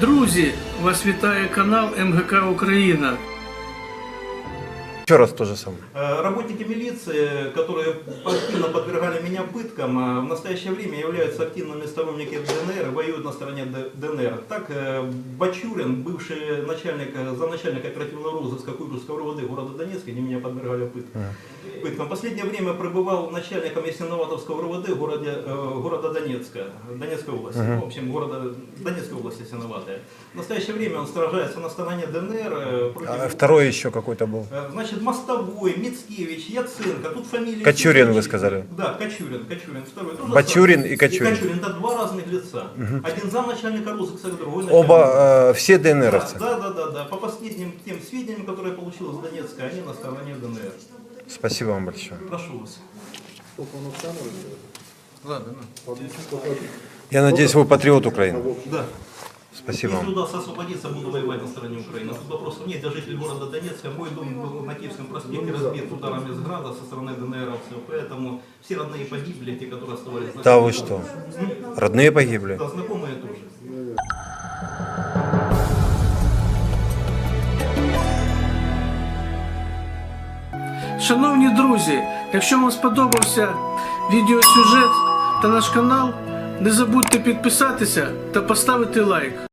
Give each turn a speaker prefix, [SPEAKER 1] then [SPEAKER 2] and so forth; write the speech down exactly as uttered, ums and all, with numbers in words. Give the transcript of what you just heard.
[SPEAKER 1] Друзі, вас вітає канал М Г К Україна.
[SPEAKER 2] Еще раз то же самое.
[SPEAKER 3] Работники милиции, которые активно подвергали меня пыткам, в настоящее время являются активными сторонниками Д Н Р и воюют на стороне Д Н Р. Так, Бачурин, бывший начальник, замначальник оперативного розыска Куйбышевской РОВД города Донецка, они меня подвергали пыткам. пыткам. В последнее время пребывал начальником Ясиноватовского РОВД в городе, э, города Донецка, Донецкой области, uh-huh. в общем, города Донецкой области Ясиноватая. В настоящее время он сражается на стороне Д Н Р. Против...
[SPEAKER 2] А второй еще какой-то был.
[SPEAKER 3] Значит, Мостовой, Мицкевич, Яценко, тут фамилии...
[SPEAKER 2] Кочурин, вы сказали?
[SPEAKER 3] Да, Кочурин, Кочурин. Второй, тоже
[SPEAKER 2] Бачурин и Кочурин.
[SPEAKER 3] И Кочурин, это два разных лица. Uh-huh. Один замначальника розыска, другой начальник.
[SPEAKER 2] Оба, э, все ДНРовцы?
[SPEAKER 3] Да, да, да, да. По последним тем сведениям, которые я получил из Донецка, они на стороне Д Н Р.
[SPEAKER 2] Спасибо вам большое.
[SPEAKER 3] Прошу вас.
[SPEAKER 1] Ладно, ну.
[SPEAKER 2] Я надеюсь, вы патриот Украины.
[SPEAKER 3] Да.
[SPEAKER 2] Спасибо
[SPEAKER 3] Если
[SPEAKER 2] вам.
[SPEAKER 3] удастся освободиться, буду воевать на стороне Украины. Тут вопросов нет. Я житель города Донецка. Мой дом был на Киевском проспекте разбит ударами с града со стороны ДНРовцев. Поэтому все родные погибли, те, которые оставались.
[SPEAKER 2] Да вы что? Родные погибли?
[SPEAKER 3] Да, знакомые тоже.
[SPEAKER 1] Шановні друзі, якщо вам сподобався відеосюжет та наш канал, не забудьте підписатися та поставити лайк.